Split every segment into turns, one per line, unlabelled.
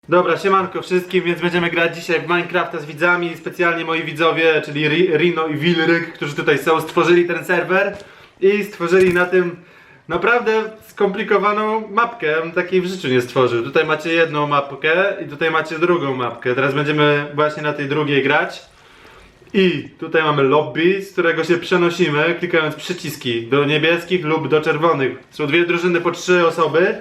Dobra, siemanko wszystkim, więc będziemy grać dzisiaj w Minecrafta z widzami. Specjalnie moi widzowie, czyli Rino i Wilryk, którzy tutaj są, stworzyli ten serwer i stworzyli na tym naprawdę skomplikowaną mapkę. Takiej w życiu nie stworzył. Tutaj macie jedną mapkę i tutaj macie drugą mapkę. Teraz będziemy właśnie na tej drugiej grać. I tutaj mamy lobby, z którego się przenosimy, klikając przyciski do niebieskich lub do czerwonych. Są dwie drużyny po 3 osoby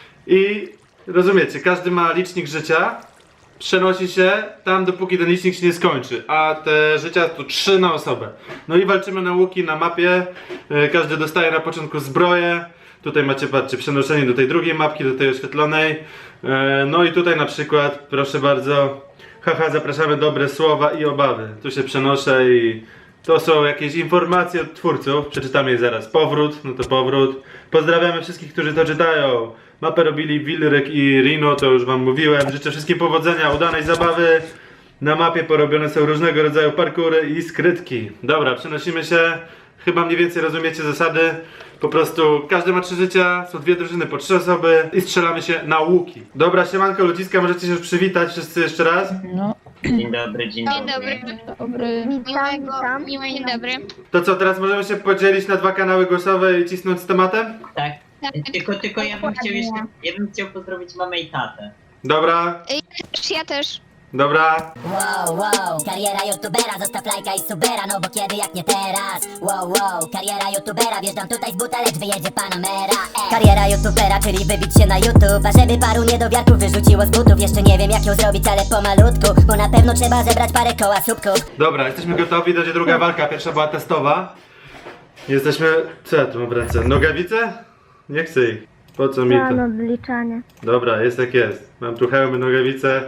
i rozumiecie, każdy ma licznik życia, przenosi się tam dopóki ten licznik się nie skończy, a te życia to 3 na osobę. No i walczymy na łuki, na mapie, każdy dostaje na początku zbroję. Tutaj macie, patrzcie, przenoszenie do tej drugiej mapki, do tej oświetlonej. No i tutaj na przykład, proszę bardzo, haha, zapraszamy dobre słowa i obawy. Tu się przenoszę i to są jakieś informacje od twórców. Przeczytamy je zaraz. Powrót, no to powrót. Pozdrawiamy wszystkich, którzy to czytają. Mapę robili Wilryk i Rino, to już wam mówiłem. Życzę wszystkim powodzenia, udanej zabawy. Na mapie porobione są różnego rodzaju parkury i skrytki. Dobra, przenosimy się. Chyba mniej więcej rozumiecie zasady. Po prostu każdy ma 3 życia, są dwie drużyny po 3 osoby i strzelamy się na łuki. Dobra, siemanko ludziska, możecie się już przywitać wszyscy jeszcze raz?
No,
Dzień dobry, dzień
Dzień
dobry.
dobry.
dobry.
Miłego, dzień dobry.
To co, teraz możemy się podzielić na 2 kanały głosowe i cisnąć z tematem?
Tak.
Tak.
Tylko ja bym chciał jeszcze, ja bym chciał pozdrowić mamę i tatę.
Dobra,
Ja też.
dobra.
Wow, wow, kariera youtubera, zostaw lajka i subera, no bo kiedy jak nie teraz. Wow, wow, kariera youtubera, wjeżdżam tutaj z buta, lecz wyjedzie Panamera. Kariera youtubera, czyli wybić się na YouTube, a żeby paru niedowiarków wyrzuciło z butów. Jeszcze nie wiem jak ją zrobić, ale pomalutku, bo na pewno trzeba zebrać parę koła słupków.
Dobra, jesteśmy gotowi, będzie druga walka, pierwsza była testowa. Jesteśmy... co ja tu mam w ręce? Nogawice? Nie chcę ich. Po co mi to?
odliczanie.
Dobra, jest jak jest. Mam tu hełmy, nogawice.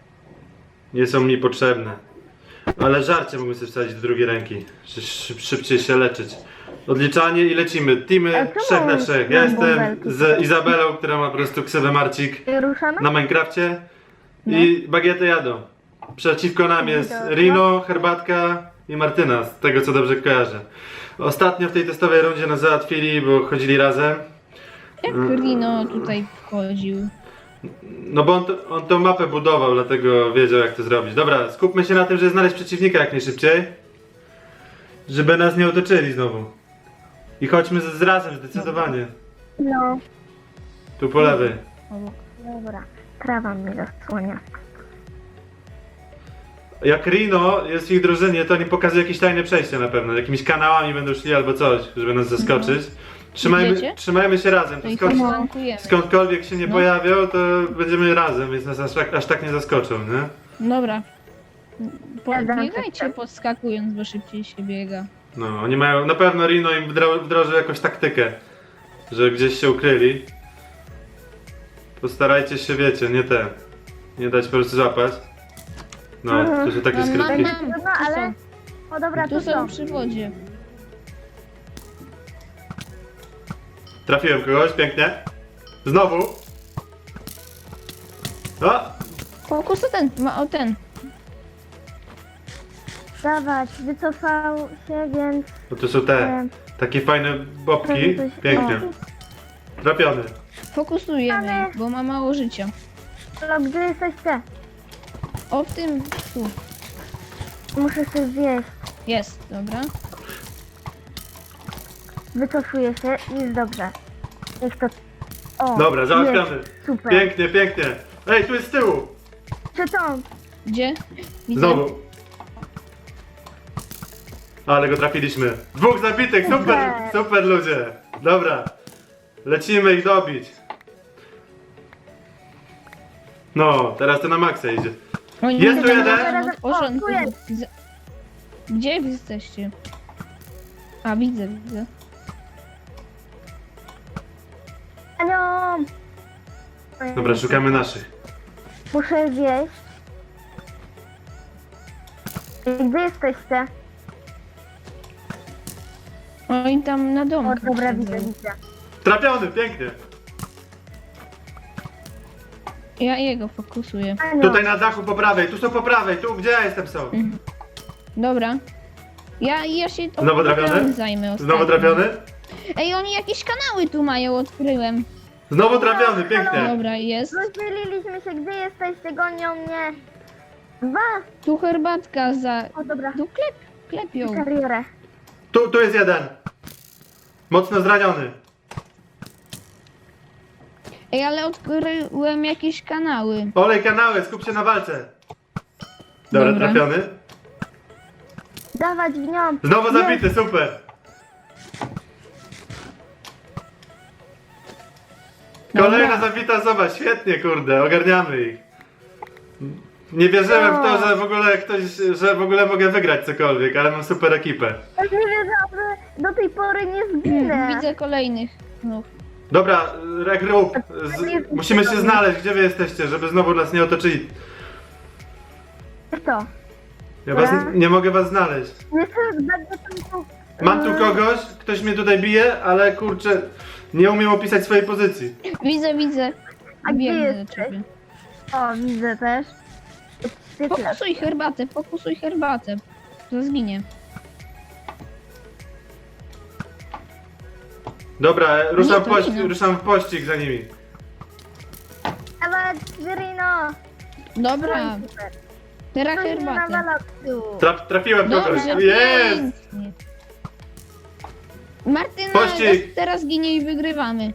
Nie są mi potrzebne. Ale żarcie mógłbym sobie wsadzić do drugiej ręki. Szybciej się leczyć. Odliczanie i lecimy. Teamy 3 na 3. Ja jestem z Izabelą, która ma po prostu ksywę Marcik
Ruszamy?
na Minecrafcie. I bagiety jadą. Przeciwko nam jest Rino, Herbatka i Martyna, z tego co dobrze kojarzę. Ostatnio w tej testowej rundzie nas załatwili, bo chodzili razem.
Jak Rino tutaj wchodził?
No bo on tą mapę budował, dlatego wiedział jak to zrobić. Dobra, skupmy się na tym, żeby znaleźć przeciwnika jak najszybciej. Żeby nas nie otoczyli znowu. I chodźmy z razem, zdecydowanie.
No,
Tu po lewej.
dobra. Trawa mi zasłania.
Jak Rino jest w ich drużynie, to oni pokazują jakieś tajne przejście na pewno. Jakimiś kanałami będą szli albo coś, żeby nas zaskoczyć.
Idziecie?
Trzymajmy się razem.
To
To
ich
skąd,
flankujemy.
skądkolwiek się nie
No.
pojawią, to będziemy razem, więc nas aż tak nie zaskoczą, nie?
Dobra.
tak.
Biegajcie podskakując, bo szybciej się biega.
No, oni mają, na pewno Rino im wdrożył jakąś taktykę, że gdzieś się ukryli. Postarajcie się, wiecie, nie dać po prostu złapać. No, to są takie skrytki.
No,
ale... O dobra,
Tu są przy wodzie.
Trafiłem kogoś, pięknie. Znowu. O!
Fokus o ten.
Dawać, wycofał się, więc...
No to są te, takie fajne bobki. Pięknie. Trafiony.
Fokusujemy, bo ma mało życia.
No, gdzie jesteście?
O, w tym, tu.
Muszę się zjeść.
Jest, dobra.
Wycofuję się i jest dobrze. Niech to... O,
Dobra, załatwiamy.
jest, super.
Pięknie, pięknie. Ej, tu jest z tyłu.
Czy to?
Gdzie? Widzę.
Znowu. Ale go trafiliśmy. 2 zabitych, super, super ludzie. Dobra. Lecimy ich dobić. No, teraz to na maksa idzie.
Oni
Jest tu
tam
jeden?
w porządku.
O, tu jest.
Gdzie wy jesteście? A, widzę.
Anią!
Dobra, szukamy naszych.
Muszę zjeść. Gdzie jesteście?
Oni tam na
O,
domu.
dobra, widzę.
Trafiony, pięknie.
Ja jego fokusuję.
Anią,
Tutaj na dachu po prawej, tu są po prawej, tu gdzie ja jestem są.
Dobra. Ja się
Znowu trafiony?
zajmę
Znowu
ostatnio.
trafiony?
Ej, oni jakieś kanały tu mają, odkryłem.
Znowu trafiony, pięknie.
Dobra, jest.
Rozdzieliliśmy się, gdzie jesteście? Gonią mnie. Dwa.
Tu herbatka za...
O, dobra.
Tu klepią.
Karierę.
Tu jest jeden. Mocno zraniony.
Ej, ale odkryłem jakieś kanały.
Olej kanały, skup się na walce. Dobra,
Dobra.
trafiony.
Dawać w nią.
Znowu zabity, super. Kolejna
Dobra.
zabita osoba, świetnie, kurde, ogarniamy ich. Nie wierzyłem w to, że w ogóle że w ogóle mogę wygrać cokolwiek, ale mam super ekipę.
Ja nie wiedziałam, że do tej pory nie zginę.
Widzę kolejnych. No.
Dobra, regroup, musimy się znaleźć, gdzie wy jesteście, żeby znowu nas nie otoczyli.
To.
Ja was,
Dobra.
nie mogę was znaleźć.
Jeszcze będę tam tu...
Mam tu kogoś, ktoś mnie tutaj bije, ale kurczę, nie umiem opisać swojej pozycji.
Widzę.
A gdzie
Biegnę do
jesteś?
ciebie.
O, widzę też. Świetnie.
Fokusuj herbatę. To zginie.
Dobra,
Nie, to inno.
ruszam w pościg za nimi.
Dawać, Rino.
Dobra,
Super.
teraz
To nie
herbatę.
nawala tu.
Trafiłem kogoś.
Dobrze,
Jest!
pięknie. Martyna
Pościg.
teraz ginie i wygrywamy.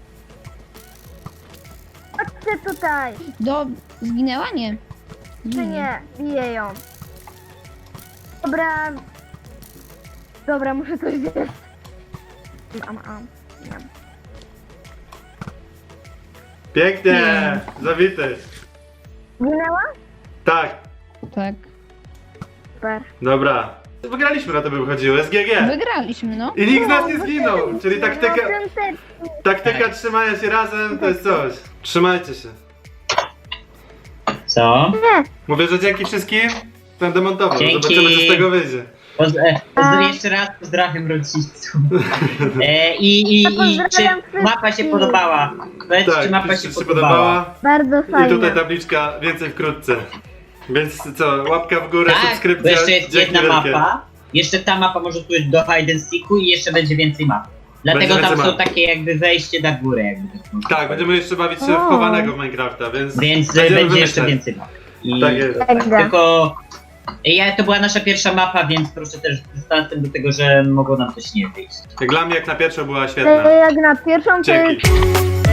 Chodźcie tutaj.
Zginęła? Nie.
Czy nie? Biję ją. Dobra. Dobra, muszę coś zjeść. Nie.
Pięknie! Zabity.
Ginęła?
Tak,
Tak.
Super.
dobra. Wygraliśmy, na to by wychodziło, SGG.
Wygraliśmy, no.
I nikt z nas nie zginął, czyli taktyka,
No,
taktyka trzymania się razem to jest coś. Trzymajcie się.
Co?
Mówię, że dzięki wszystkim. Będę montował,
Dzięki.
zobaczymy co z tego wyjdzie.
Jeszcze raz pozdrawiam rodziców. I czy
Pozdrawiam
mapa się
wszystkich.
podobała? Powiedz, czy
Tak,
mapa
jeśli
się podobała?
Bardzo
I
fajnie.
tutaj tabliczka, więcej wkrótce. Więc co, łapka w górę,
Tak, bo
subskrypcja,
jeszcze jest
dzięki
jedna
wielkie.
mapa. Jeszcze ta mapa może pójść do hide and seeku i jeszcze będzie więcej map. Dlatego
Będzie
tam
więcej
są
map.
takie jakby wejście na górę. Jakby tak można
Tak,
powiedzieć.
będziemy jeszcze bawić się w
O.
chowanego w Minecrafta, więc
Więc
będziemy
będzie jeszcze
wymyślać.
więcej map. I
Tak jest.
Dobra.
tylko to była nasza pierwsza mapa, więc proszę też z dystansem do tego, że mogło nam coś nie wyjść.
Jak dla mnie jak na pierwszą była świetna.
Jak na pierwszą to
Dzięki.
jest